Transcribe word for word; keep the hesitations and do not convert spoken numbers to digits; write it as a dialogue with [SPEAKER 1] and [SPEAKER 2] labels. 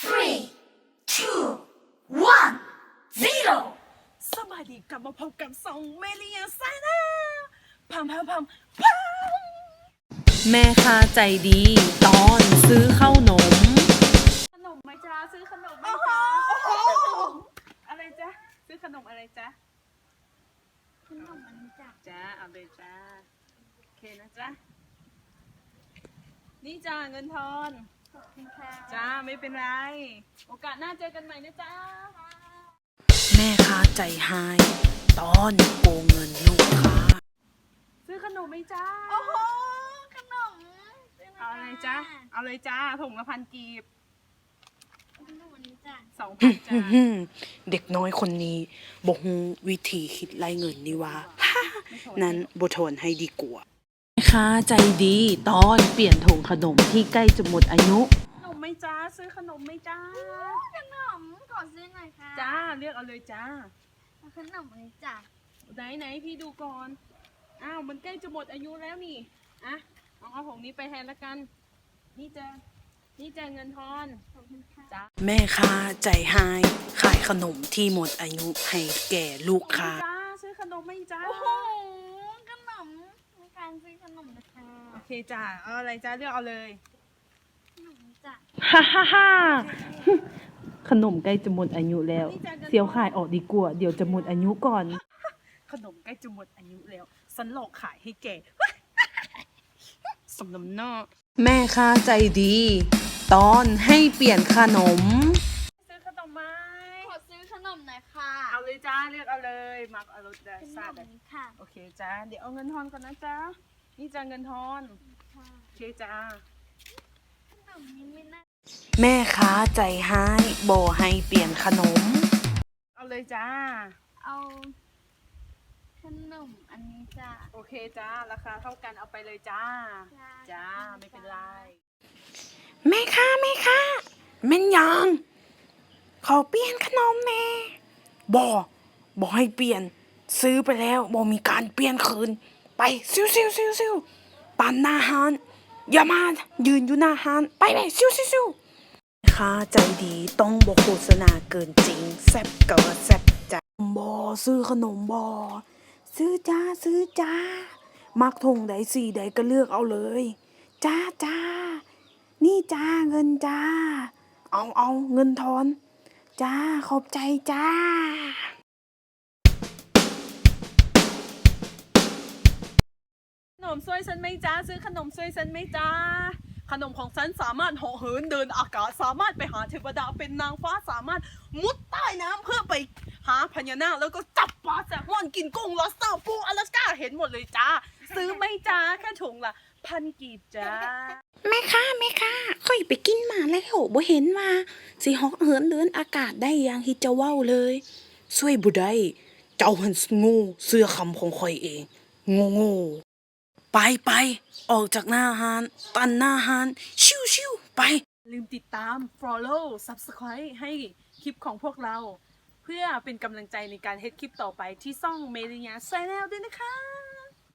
[SPEAKER 1] three two one zero
[SPEAKER 2] สวัสดีกลับมาพบกับสองเมลียาไซน่าพัมพัมพัมพัมแม่ค้าใจดีตอนซื้อข้าวนมขนมไหมจ๊ะซื้อขนมไหมจ๊ะอะไรจ๊ะซื้อขนมอะไรจ๊ะขนมอันนี้จ้ะจ้าเอาเลยจ้าโอเคนะจ๊ะนี่จ้าเงินทอนขอบคุณค่ะจ้าไม่เป็นไรโอกาสหน้าเจอกันใหม่นะจ๊ะแม่ค้าใจหายตอนโกงเงินลูกค้าซื้อขนมไหมจ้า
[SPEAKER 3] โอ้โหขนม
[SPEAKER 2] เอาอะไรจ้าเอาเลยจ้าถุงละพันกีบ
[SPEAKER 3] ขนมอันนี้จ้ะ
[SPEAKER 2] สองพันจ้า
[SPEAKER 4] เด็กน้อยคนนี้บอกฮู้วิธีคิดไล่เงินนี่ว่า นั้นบ่ทนให้ดีกว่า
[SPEAKER 2] แม่ค้าใจดีตอนเปลี่ยนถุงขนมที่ใกล้จะหมดอายุขนมไหมจ้าซื้อขนมไหมจ้า
[SPEAKER 3] ขนมขอซื้อหน่อยค่ะ
[SPEAKER 2] จ้าเลือกเอาเลยจ้า
[SPEAKER 3] เอาขนมอันนี้จ้ะ
[SPEAKER 2] ไหนไหนพี่ดูก่อนอ้าวมันใกล้จะหมดอายุแล้วนี่อ่ะเอาเอาถุงนี้ไปแทนละกันนี่จ้านี่จ้าเงินทอน
[SPEAKER 3] ขอบคุณค่ะ
[SPEAKER 2] จ้า
[SPEAKER 4] แม่ค้าใจหายขายขนมที่หมดอายุให้แก่ลูกค้า
[SPEAKER 2] จ้าซื้อขนมไหมจ้า
[SPEAKER 3] โอ้โหขนมมีการซื้อขนมนะคะ
[SPEAKER 2] โอเคจ้าเอาอะไรจ้าเลือกเอาเลย
[SPEAKER 3] ขนมจ้ะ
[SPEAKER 2] ฮ่าฮ่าฮ่าขนมใกล้จะหมดอายุแล้วเสียวขายออกดีกว่าเดี๋ยวจะหมดอายุก่อนขนมใกล้จะหมดอายุแล้วฉันหลอกขายให้แกสมน้ำหน้าแม่ค้าใจดี ตอนให้เปลี่ยนขนมซื้อขนมไหม
[SPEAKER 3] ขอซื้อขนมหน่อยค่ะ
[SPEAKER 2] เอาเลยจ้าเลือกเอาเลยมักเอารสได้
[SPEAKER 3] ขน
[SPEAKER 2] ซาม ได้
[SPEAKER 3] นี้ค่ะ
[SPEAKER 2] โอเคจ้าเดี๋ยวเอาเงินทอนก่อนนะจ้านี่จ้าเงินทอนโอเคจ้า
[SPEAKER 3] ขนมนี้ไม่น่า
[SPEAKER 4] แม่ค้าใจหายบ่ให้เปลี่ยนขนม
[SPEAKER 2] เอาเลยจ้า
[SPEAKER 3] เอาขนมอันนี้จ้ะ
[SPEAKER 2] โอเคจ้าราคาเท่ากันเอาไปเลยจ้าจ้าไม่เป็นไร
[SPEAKER 4] แม่ค้าแม่ค้าแม่นยังขอเปลี่ยนขนมแม่บ่บ่ให้เปลี่ยนซื้อไปแล้วบ่มีการเปลี่ยนคืนไปซิวซิวซิวซิวปั่นหน้าห้านอย่ามายืนอยู่หน้าห้านไปไปซิวซิวซิวแม่ค้าใจดีต้องบ่โฆษณาเกินจริงแซ่บเกินแซ่บจ้าบ่ซื้อขนมบ่ซื้อจ้าซื้อจ้ามักทงใดสีใดก็เลือกเอาเลยจ้าจ้านี่จ้าเงินจ้าเอาเอาเงินทอนจ้าขอบใจจ้า
[SPEAKER 2] ขนมซวยฉันไหมจ้าซื้อขนมซวยฉันไหมจ้าขนมของฉันสามารถเหาะเหินเดินอากาศสามารถไปหาเทวดาเป็นนางฟ้าสามารถมุดใต้น้ำเพื่อไปหาพญานาคแล้วก็จับปลาแซลมอนกินกุ้งลอสเตอร์ปูอลาสก้าเห็นหมดเลยจ้าซื้อไหมจ้าแค่ถุงละพันกีบจ้า
[SPEAKER 4] แม่ค้าแม่ค้าค่อยไปกินมาแล้วบ่เห็นว่าสิเหาะเหินเดินอากาศได้อย่างที่เจ้าเว้าเลยช่วยบ่ได้เจ้าหันโง่เสื้อคำของข่อยเองโง่โง่ไปไปออกจากหน้าห้านตันหน้าห้านชิวชิวไป
[SPEAKER 2] ลืมติดตาม follow subscribe ให้คลิปของพวกเรา เพื่อเป็นกำลังใจในการเฮ็ดคลิปต่อไปที่ช่องเมริยาไซแนลด้วยนะคะ